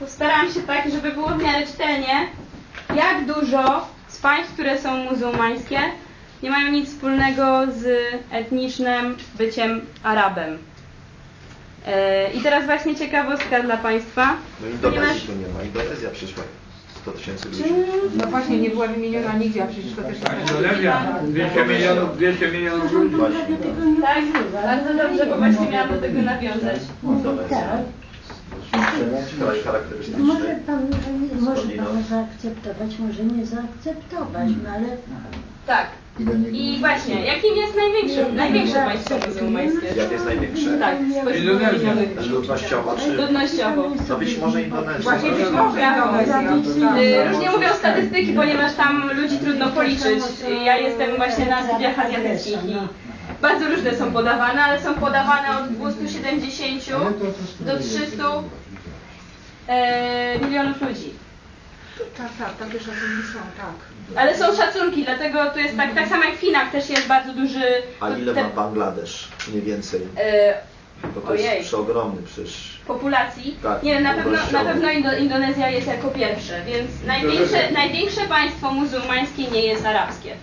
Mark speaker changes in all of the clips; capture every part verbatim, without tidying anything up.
Speaker 1: postaram się tak, żeby było w miarę czytelnie, jak dużo z państw, które są muzułmańskie, nie mają nic wspólnego z etnicznym byciem Arabem. Yy, I teraz właśnie ciekawostka dla Państwa.
Speaker 2: No Indonezji tu nie ma, Indonezja przyszła. sto tysięcy ludzi.
Speaker 3: No właśnie, nie była wymieniona nigdzie, a przecież to też tak.
Speaker 4: Indonezja, dwieście milionów, dwieście milionów ludzi.
Speaker 1: Tak, bardzo dobrze, bo właśnie miałam do tego nawiązać.
Speaker 2: Indonezja. Kraj charakterystyczny.
Speaker 5: Może pan, może pan zaakceptować, może nie zaakceptować, no ale...
Speaker 1: Tak. I właśnie, jakim jest największe, największe państwo muzułmańskie?
Speaker 2: Jak jest największe?
Speaker 1: Tak, spośród
Speaker 4: Indonezja.
Speaker 1: wymienionych.
Speaker 2: Ludnościowo czy...
Speaker 1: Ludnościowo.
Speaker 2: No być może Indonezja.
Speaker 3: Właśnie być może Indonezja.
Speaker 1: Y, Różnie mówią statystyki, ponieważ tam ludzi trudno policzyć. Ja jestem właśnie na studiach azjatyckich i bardzo różne są podawane, ale są podawane od dwustu siedemdziesięciu do trzystu e, milionów ludzi.
Speaker 3: Tak, tak, takie szacunki są, tak.
Speaker 1: Ale są szacunki, dlatego tu jest tak, tak samo jak w Chinach też jest bardzo duży...
Speaker 2: A ile
Speaker 1: te-
Speaker 2: ma Bangladesz? Mniej więcej.
Speaker 1: e,
Speaker 2: Bo to
Speaker 1: Ojej.
Speaker 2: jest przeogromny przecież.
Speaker 1: populacji.
Speaker 2: Tak,
Speaker 1: Nie wiem, na pewno, na
Speaker 2: ilościowo.
Speaker 1: pewno Indo Indonezja jest jako pierwsze, więc największe, największe państwo muzułmańskie nie jest arabskie.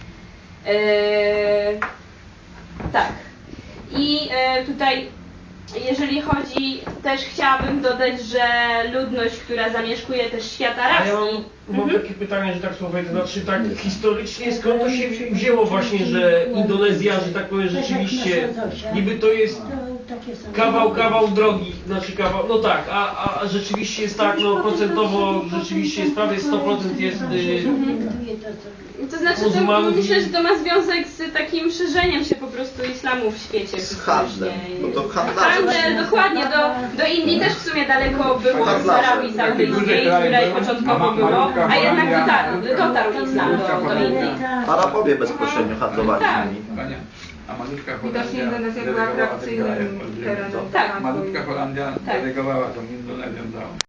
Speaker 1: Eee, tak. I e, tutaj, jeżeli chodzi, też chciałabym dodać, że ludność, która zamieszkuje też świat
Speaker 6: A ja
Speaker 1: arabski.
Speaker 6: mam, mam takie pytanie, że tak słowo, to znaczy tak historycznie skąd to się wzi- wzięło właśnie, że Indonezja, że tak powiem, rzeczywiście niby to jest
Speaker 5: To takie są.
Speaker 6: kawał, kawał drogi, znaczy kawał, no tak, a, a rzeczywiście jest tak, no procentowo rzeczywiście jest prawie sto procent jest, y,
Speaker 1: To znaczy, to
Speaker 6: muzułmanów
Speaker 1: myślę,
Speaker 6: i-
Speaker 1: że to ma związek z takim szerzeniem się po prostu islamu w świecie.
Speaker 2: Z handlem.
Speaker 1: historycznie.
Speaker 2: No to handlarze.
Speaker 1: Handel, dokładnie. Do, do Indii też w sumie daleko było z
Speaker 2: Handlarze.
Speaker 1: Arabii Saudyjskiej, z której początkowo było, a jednak dotarł, dotarł islam do, do Indii.
Speaker 2: Arabowie bezpośrednio handlowali
Speaker 1: Tak.
Speaker 2: z nimi.
Speaker 4: Panie, a malutka
Speaker 3: Widocznie
Speaker 4: Holandia
Speaker 3: Indonezja była
Speaker 4: delegowała ten
Speaker 3: atrakcyjnym
Speaker 4: kraj.
Speaker 3: terenem.
Speaker 1: Tak.
Speaker 4: Malutka Holandia
Speaker 1: Tak.
Speaker 4: delegowała tą Indonezją do